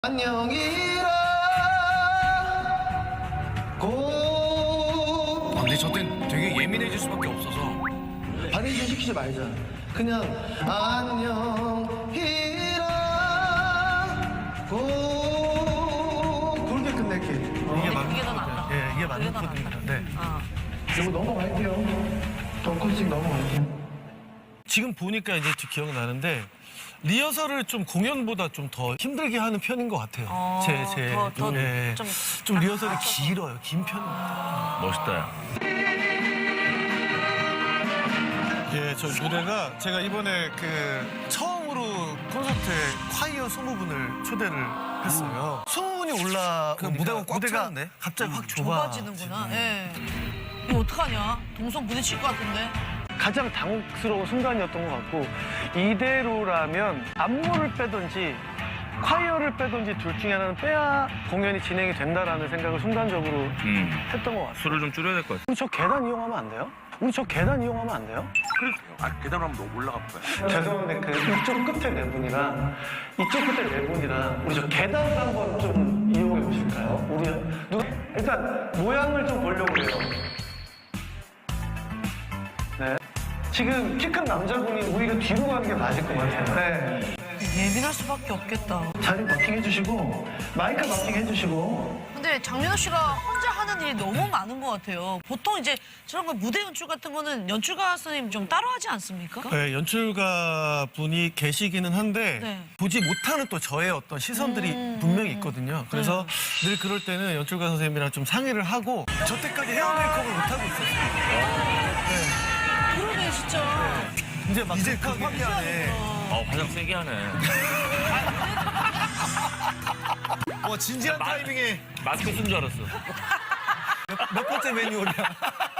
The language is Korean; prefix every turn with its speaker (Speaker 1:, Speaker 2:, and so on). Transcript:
Speaker 1: 안녕이라 고.
Speaker 2: 근데 저 땐 되게 예민해질 수밖에 없어서.
Speaker 1: 바리에이션 시키지 말자. 그냥 안녕이라 고 그렇게 끝낼게.
Speaker 2: 이게 맞는
Speaker 3: 그게 더 낫다.
Speaker 2: 예, 이게 맞는
Speaker 3: 그게 더
Speaker 2: 코드입니다. 네.
Speaker 1: 이거 넘어갈게요. 덩컨씩 넘어갈게요.
Speaker 2: 지금 보니까 이제 기억이 나는데 리허설을 좀 공연보다 좀 더 힘들게 하는 편인 것 같아요.
Speaker 3: 더
Speaker 2: 예,
Speaker 3: 좀
Speaker 2: 좀 리허설이 길어요. 긴 편입니다.
Speaker 4: 멋있다, 야.
Speaker 2: 예, 저 무대가 제가 이번에 그 처음으로 콘서트에 콰이어 20분을 초대를 했어요. 20분이 올라오니까
Speaker 4: 무대가 꽉 차는데?
Speaker 2: 갑자기 확
Speaker 3: 좁아지는구나. 예. 이거 어떡하냐? 동선 부딪힐 것 같은데.
Speaker 5: 가장 당혹스러운 순간이었던 것 같고 이대로라면 안무를 빼든지 콰이어를 빼든지 둘 중에 하나는 빼야 공연이 진행이 된다라는 생각을 순간적으로 했던 것 같아요.
Speaker 4: 술을 좀 줄여야 될 것 같아.
Speaker 5: 우리 저 계단 이용하면 안 돼요? 우리 저 계단 이용하면 안 돼요?
Speaker 4: 계단으로 한번 올라가 볼까요?
Speaker 5: 죄송한데 그 이쪽 끝에 네 분이랑 이쪽 끝에 네 분이랑 우리 저 계단 한번 좀 이용해 보실까요? 우리 누가 일단 모양을 좀 보려고 해요. 네. 지금 키 큰 남자분이 오히려 뒤로 가는 게 맞을 것 같아요. 네.
Speaker 3: 예민할 수밖에 없겠다.
Speaker 1: 자리 마킹 해주시고 마이크 마킹 해주시고.
Speaker 3: 근데 장민호 씨가 혼자 하는 일이 너무 많은 것 같아요. 보통 이제 저런 거 무대 연출 같은 거는 연출가 선생님 좀 따로 하지 않습니까?
Speaker 2: 네, 연출가 분이 계시기는 한데
Speaker 3: 네.
Speaker 2: 보지 못하는 또 저의 어떤 시선들이 분명히 있거든요. 그래서 늘 그럴 때는 연출가 선생님이랑 좀 상의를 하고 저 때까지 헤어 메이크업을 못하고 있었어요.
Speaker 3: 그러네 진짜.
Speaker 2: 이제 막 이제 급하게 하네.
Speaker 4: 화장 세게 하네.
Speaker 2: 진지한 타이밍에
Speaker 4: 마스크 쓴 줄 알았어.
Speaker 2: 몇 번째 메뉴냐.